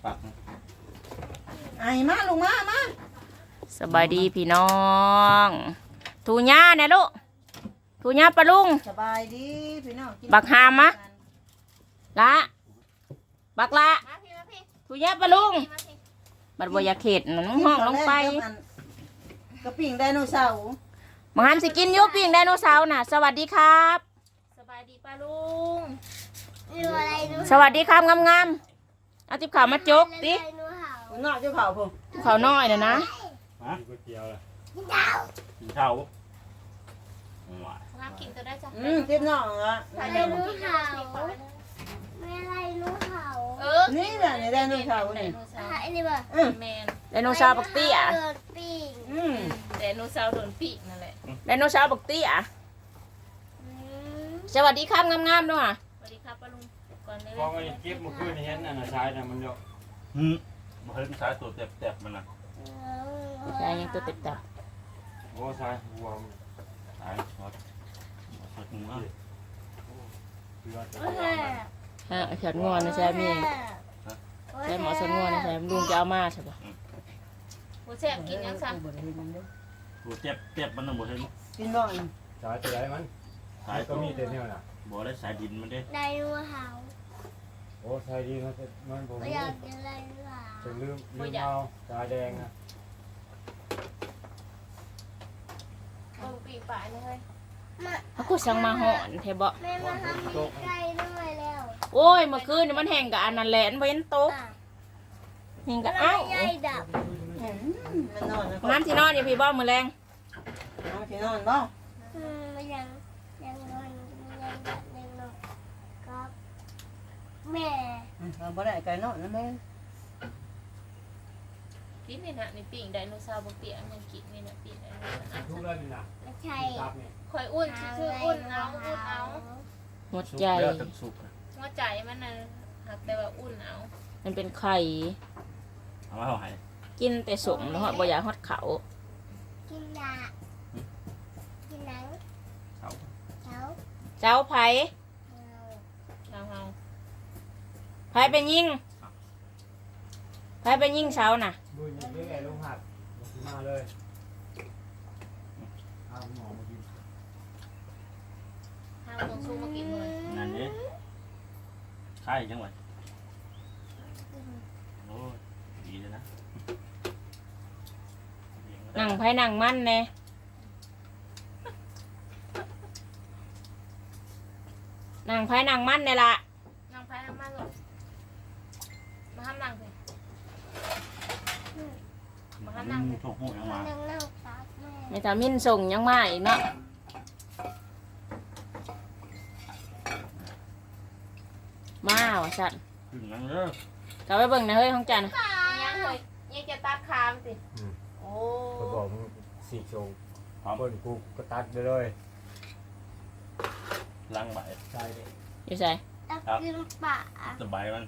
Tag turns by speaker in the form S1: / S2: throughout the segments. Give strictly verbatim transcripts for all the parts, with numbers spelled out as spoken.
S1: ปัก
S2: ไอ้มาลงมามา
S3: สบายดีพี่น้องทูญ่าเนี่ยลูกทูญ่าปลาลุง
S2: สบายดีพี่น้อง
S3: บักหามะ ละบักละทูญ่าปลาลุงบัดบอยาเข็ดนั่นห้องลงไป
S2: กระปิ่งไดโนเสาร์
S3: บักหามสิกินอยุปิ้งไดโนเสาร์น่ะสวัสดีครับสบายดีปลาลุงสวัสดีครับงามๆเอาติ๊บข่าวมาจกติ๊บ
S2: นอกเจ้าเผาผม
S3: ข่าวน้อยน่ะนะ
S1: ฮะ
S4: ก๋วยเตี๋ยวเลย
S1: กินข้าว
S5: น้ำกินตัวได้จ้ะ
S2: อืมทิพย์น้องอ่ะ
S5: ใส่เดิมกินเขาไม่อะไรรู้เขาเออ
S2: นี่แหละในไดโนเสาร์นี่
S5: ไอ้นี่บ่
S2: อืม
S5: แมน
S3: ไดโนเสาร์บักเตี้ย
S5: เดินปิ้ง
S2: อืม
S5: แต่นูเซาโดนปีกนั่นแหละ
S3: ไดโนเสาร์บักเตี้ยสวัสดีครับงามๆด้วย
S5: สวัสดีครับป้าลุงก่อนเลย
S4: พอมันเก็บเมื่อคืนนี้เห็นอันน่ะชายน่ะมันเยอะ
S1: หืมมาเห็นสายตัวเต็บๆมันนะ
S3: ใช่ยังตัวเต็มตา
S4: โอ้ชายหัวมัน
S1: สายสดสดมาก
S4: คือว่าจะ
S3: ฮะเขียนงอนนะใช่มีใช่หมอสนงอนนะใช่ลุงจะเอามาใช่ปะ
S5: โอ้แซ่บกินยังซ้
S1: ตัวเจ็บเจ็บมันน่ะบ่เห็น
S2: กินบ่อย
S4: ชายตัวใหญ่มัน
S1: สาย
S4: ก็
S1: ก็
S4: มี
S1: มี
S4: แต่เนี่ยน่ะ
S1: บ่ได้สายดินมันเด้
S5: ำได้รู้เขา
S4: โอ้ชายดีมันมันผม
S5: ไม่อยากกินอะไรรู้เขา
S4: จะลืมลืมเอาชายแดงนะ
S5: เบิ่งปีกป่ายเลย
S3: เขาก็สั่งมาห่อนเทบะ
S5: แม่มาทำมีไก่ด้วยแล้ว
S3: โอ้ยเมื่อคืนนี่มันแห้งกับอันนั้นแหละมันเว้นโต๊ะแห้งกับเอ้า
S5: ใหญ่ดับ
S2: อืมมันนอนนะ
S3: น้ำที่นอนอยู่พี่บ้ามือแรง
S2: น้องที่นอนบ่
S5: อืมไม่ยังยังนอนยังดับยังนอนครับแม่
S2: เราบ่ได้ไก่นอนนะแม่
S5: กินนี่นะนี่ปีกไดโนเสาร์บนเปียมันกินนี่นะปีกไดโนเสาร์
S4: ทุกเรื่องนี่น่ะ
S5: ไม่ใช่
S4: ตับเนี่ย
S5: ข่อยอุ่นชื่ออุ่นเอาอุ่นเอา
S3: หัว
S1: สุก
S3: ใจ
S1: แล้วถึงสุกนะ
S5: หัวใจมันน่ะหักแต่ว่าอุ่นเอา
S3: มันเป็นไข่
S1: เอามาเอาให้
S3: กินแต่สมแล้วฮอดบ่อยากฮอดเขา
S5: กินยากินหนัง
S1: เขา
S5: เขา
S3: เจ้าไผ
S5: เราเฮา
S3: ไผไปยิงไผไปยิงเสาน่ะ
S4: ดูอย่างนี้ไอ้ลุงหัดมาเลยเอาหมอมากิน
S5: เฮาต้องสู้มากินเลย
S1: นั่นเด้ใช่จังหวะโอ้ยดีเลยนะ
S3: นั่งไผนั่งมันแน่นั่งไผนั่งมันนี่ล่ะ
S5: นั่งพายนั่งมาเลยมาห้ามนั่งสิมาห้ามนั่งสิ
S1: ถูกหูยังมา
S5: นั่งนั่งซักแม่
S3: แม่ตามินส่งยังมาอีกเนาะมาว่ะสัตว์
S1: ขึ้นนั่งเด้อก
S3: ลับไปเบิ่งนะเฮ้ยของจัน
S5: ยังเลยยังจะตัดคามสิโอ้
S4: ก็บอกมึงสี่โชว์เปิ้นกูก็ตัดไปเลย
S1: ล้างใบ
S4: ชายเด็ก
S3: อยู่ใส่
S5: ตัดกินป่า
S1: สบายมัน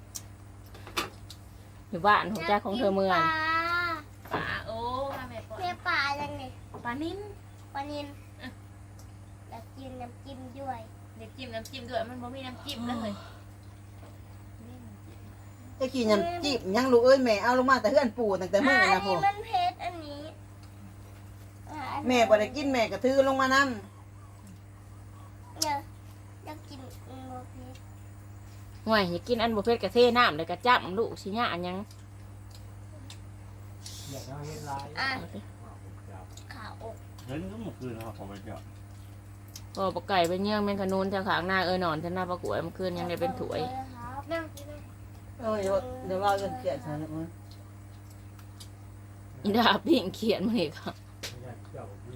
S3: อยู่บ้านของจ้าของเธอเมือง
S5: ป่าโอ้มาแม่ปอแม่ป่ายังไงปลานิ่มปลานิ่มแล้วกินน้ำจิ้มด้วยเด็กจิ้มน้ำจิ้มด้วยมันบ่มีน้ำจิ้มเลย
S2: จะกินยำจีบยังลูกเอ้ยแม่เอาลงมาแต่เฮือนปู่ตั้งแต่มื้อนะพ่อ
S5: มันเผ็ดอันนี้
S2: แม่บ่ได้กินแม่ก็ถือลงมานำ
S5: เนี่ยอยากกินโมเผ็ด
S3: ห่วยอย่ากินอันบุฟเฟ่ต์กะเทน้ำเลยกะจับลูกสิญะอันยัง
S4: อยากให้เห็นลาย
S5: อ่ะขาอก
S1: เห็นก็เมื่อคืนนะครับผมไปเจาะ
S3: พอปลาไก่ไปเยื่องแมงขนูนทางขางหน้าเออนอนทางหน้าปลากล้วยเมื่อคืนยังได้เป็นถวย
S5: นั่งกินเลย
S2: เอ้ยเดี๋ยวเดี๋ยวว่าเรื่องเกลียดซะแล้วมึง
S3: อีดาปิ้งเขียนมาอีกครับ
S4: อยากเจ้าพี่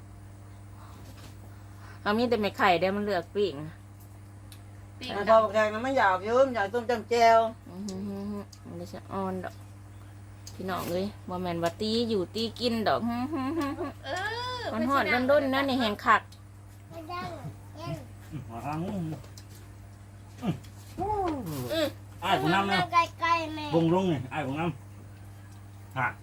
S3: เอามีแต่ไม่ไข่ได้มันเลือกปิ้ง
S5: ปีก
S2: พอบอกแดงมันไม่อยากยืมอยากต้มจำแจว
S3: อื้อหือหือหือมันจะอ่อนดอกพี่น้องเลยว่าแมนว่าตีอยู่ตีกินดอกหือหือหือหือ
S5: เออ
S3: มันหอดด้นด้นๆนั่นนี่แหงคัก
S5: ไม่ได้เย็น
S1: มาทางนู้น
S5: อือ
S1: อ้ายผมน้ำนะ
S5: ใกล้ๆแม่
S1: บงลงนี่อ้ายผมน้ำฮะ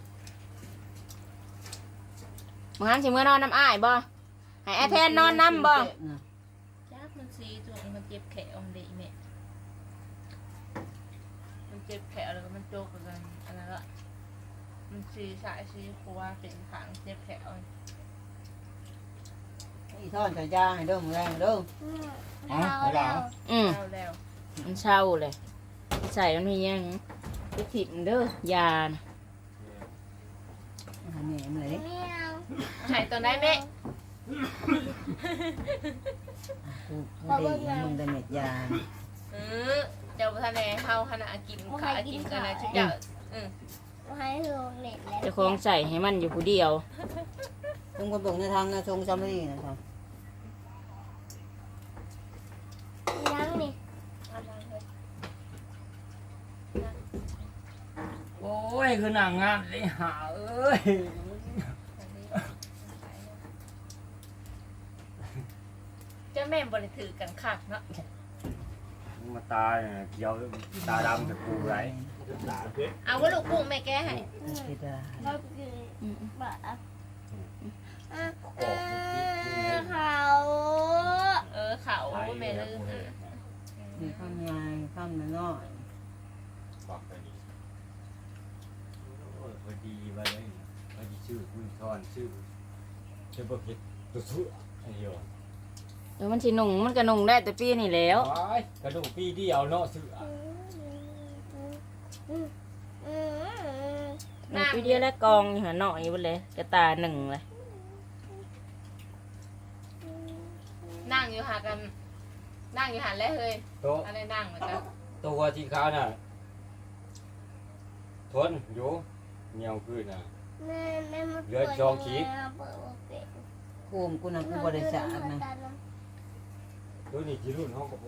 S3: มึงหันสิเมื่อนอนน้ำอ้ายบ่ให้แอร์แทนนอนน้ำบ่
S5: จักมันสีจุ่มมันเจ็บแขนอมเด็กแม่มันเจ็บแผลแล้วก็มันโจกกันอันนั้นละมันซีสายซีครัวเป็นขางเจ็บแผล
S2: อีทอดใส่จานให้เด้อมื้อแรงเด้อ
S1: อ๋อไม่ได้
S3: อืม
S5: แล้วแล้ว
S3: มันเศร้าเลยใส่มันมียังไปถิ่มเด้อยานะ
S2: อันนี้มันเลย
S5: หายตัวได้ไหม
S2: กูกูได้มึงได้เม็ดยา
S5: เออเจ้าทะเลเฮาขณะกินขากินกันนะชุดเจ้าอืม
S3: เจะคงใส่ให้มันอยู่ผู้เดียว
S2: ต้องคนบอกในทางนะทรงจำไม่ดีนะครับ
S1: โอ้ยคือหนังงานเลยหาเอ้ย
S5: เจ้าแม่บริถือกันคักเนาะ
S1: มาตายเกี่ยวตาดำกับกูไร
S5: เอาว่าลูกกุ้งแม่แก้ให้
S2: คิดได้
S5: เขาเออเขาแม่ลืม
S2: มีข้ามยายข้ามน้อย
S4: บอกไปดีโอ้ยพอดีว่าเลยพอดีชื่อคุณทอนชื่อจะบอกผิดตัวสุดไอ้เหี้ย
S3: เดี๋ยวมันสิหนุ่งมันก็หนุ่งได้แต่ปีนี่แล้ว
S4: ว้ายกระดูกปีเดียวเนาะซื้อ
S3: หนุ่งปีเดียวแล้วกองอยู่หันหน่อยไปเลยกระตาหนึ่งเลย
S5: นั่งอยู่หากันนั่งอยู่หันแล้วเฮ้ย
S4: โต๊ะ
S5: อะไรนั่งเหมือนกัน
S4: ตัวที่เขาน่ะทนอยู่เหนียวขึ้นน่ะ เลือดจองขีด
S2: ๆกูมกูน่ะกูบริจาคนะ
S4: ตัวนี้จีรุ่นห้องกับ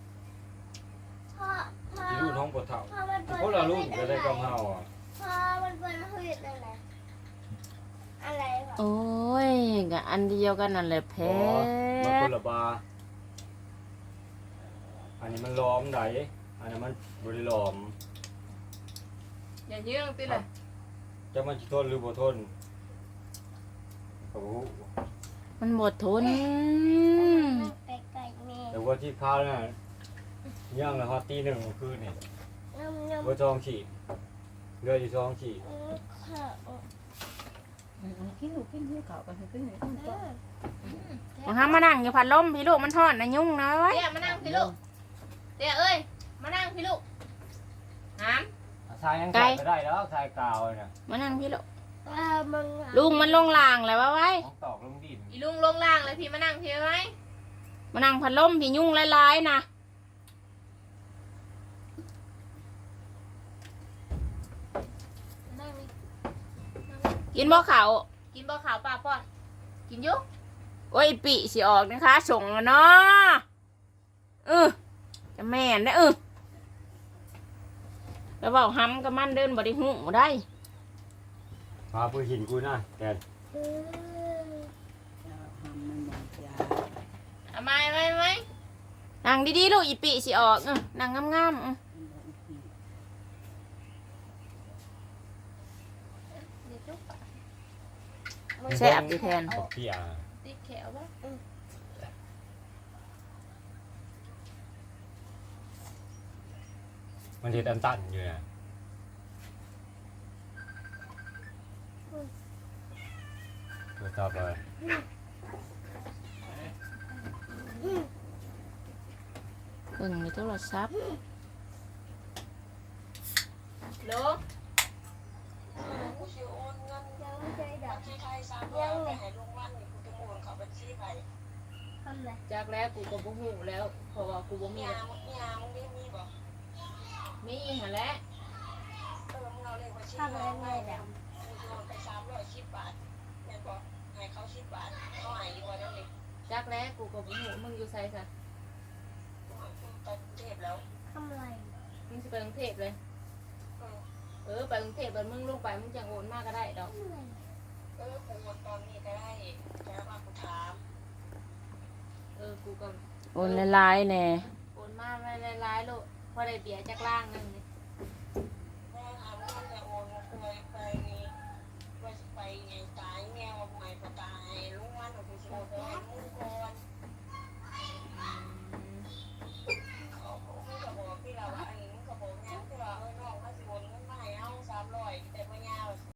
S4: จีรุ่นห้องปวดเท้าคนละรุ่นก็ได้กำเฮาอ่ะ
S6: พ่อมันเป็นหืดอะไรอะไรวะ
S3: โอ้ยกับอันเดียวกันนั่นแหละแพ้
S4: มันคนละบาอันนี้มันล้อมไหนอันนี้มันบริล้อม
S5: อย่าเยื่องติเลย
S4: จะมันจะทนหรือบ่ทนโอ้โห
S3: มันหมดทน
S6: ไก่ไก่แม่
S4: แต่ว่าที่ข้าวน่ะย่างแล้วฮอตตีหนึ่งเมื่อคืนนี่
S6: น้ำน้ำ
S4: ว่าจองฉีดเรืออยู่จองฉีด
S6: ข้าว
S2: กินลูกกินหิวข้าวกันกินหิวข้าวต้ม
S3: มาห้ามมานั่งอยู่พัดลมพี่ลูกมันทอดนะยุ่งนะไว้
S5: เดี๋ยวมานั่งพี่ลูกเดี๋ยวเอ้ยมานั่งพี่ลูกหาม
S4: ทรายยังใส่ไม่ได้แล้วทรายกาวเนี่ย
S3: มานั่งพี่ลูก
S6: ปลามัง
S3: ลุงมันลงล่างแล้วว่าไว้
S4: ของตอกลงดิน
S5: อีลุงลงล่างเลยพี่มานั่งพี่ไว้
S3: มานั่งพัดลมพี่ยุ่งหลายๆนะ
S5: นั่งนี่
S3: กินบ่เขาว
S5: กินบ่ขาวปลาป้อนกินอยุก
S3: โอ้ยปีสิออกนะคะส่งแล้วเนาะเออจะแม่นได้อเออแล้วบอกห้ำกับมันเดินบ่ได้หูได้
S4: พาผู้หินกูนะแก
S2: ทำมันหมดยา
S5: เอาไม้ไว้ไหม
S3: นั่งดีๆลูกอีปีสิออกเออนั่งงามๆเออ
S5: เดี๋ยวจุ๊บ
S3: แซ่บดีแทน
S4: บอกพี่อ่ะ
S5: ติดแขวบ่
S4: มันเห็ดอันตันอยู่เนี่ยตัวต่อไป
S3: เบิ่งในโทรศัพท์
S5: โล
S6: ยังไม่เคยดับยังไม่ทำไร
S5: จากแล้วกูก็บ่ฮู้แล้วเพราะว่ากูบ่มีมีหั่นแหละ
S6: ทำอะไรไม่ดับ
S5: จากแล้วกูก็บ่ฮู้มึงอยู่ไสซะ
S6: ทำอะไร
S5: มึงสิไปกรุงเทพเลยเออไปกรุงเทพแล้วมึงลงไปมึงจังโอนมาก็ได้ดอก
S6: ทำอะไร
S5: เออกูก็
S3: โอนหลายๆแน่
S5: โอนมาหลายๆโลพอได้เบียร์จากล่างนึงนี่